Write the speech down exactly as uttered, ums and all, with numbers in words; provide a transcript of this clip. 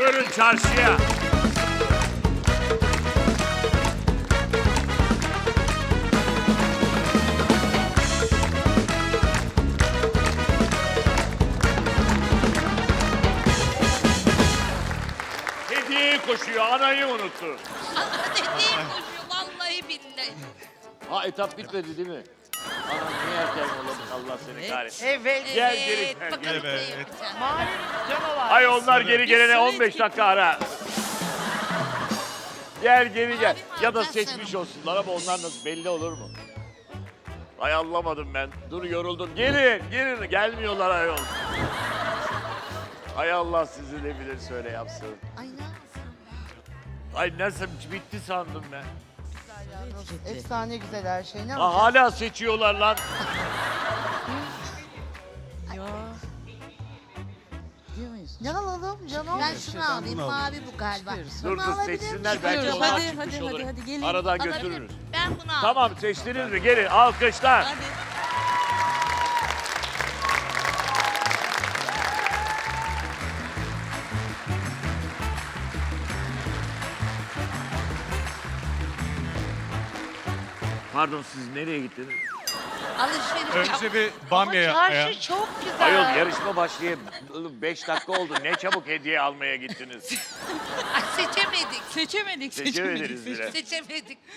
Buyurun çarşıya. Hediye koşuyor, anayı unuttu. Dediğim koşuyor vallahi billahi. Ha etap bitmedi değil mi? Anam niye erken yolladık Allah seni kahretsin. Evet. Gel geri Evet, gel. bakalım geri. ne Evet. yapacağım. Mavi canavar. Ay onlar geri gelene Sarı on beş dakika ara. Gel geri gel. Mavi mi Ya da alacağız, seçmiş sarı mı? olsunlar ama onlar nasıl belli olur mu? Ay anlamadım ben. Dur yoruldum. Gelin, gelin. Gelmiyorlar ayol. Ay Allah sizi ne bilir söyle yapsın. Ay ne yapsın? Ay nasıl bitti sandım ben. Efsane güzel her şey. Ne Ha, yapacağız? hala seçiyorlar lan. Ne alalım canım? Ben şunu alayım, bunu mavi bu galiba. Dur Bunu dur alabilir seçsinler. miyim? Belki Çıkıyoruz. onlar Hadi, çıkmış hadi, olur. hadi, hadi, gelin. Aradan Alabilir götürürüz. miyim? Ben bunu aldım. Tamam seçtiniz mi? Gelin alkışlar. Hadi. Pardon siz nereye gittiniz? Alışveriş yap. Önce bir bamya yapmaya. Çarşı çok güzel. Ayol yarışma başlayayım. Beş dakika oldu. Ne çabuk hediye almaya gittiniz. Ay seçemedik. Seçemedik, seçemedik. Seçemediniz bile. Seçemedik.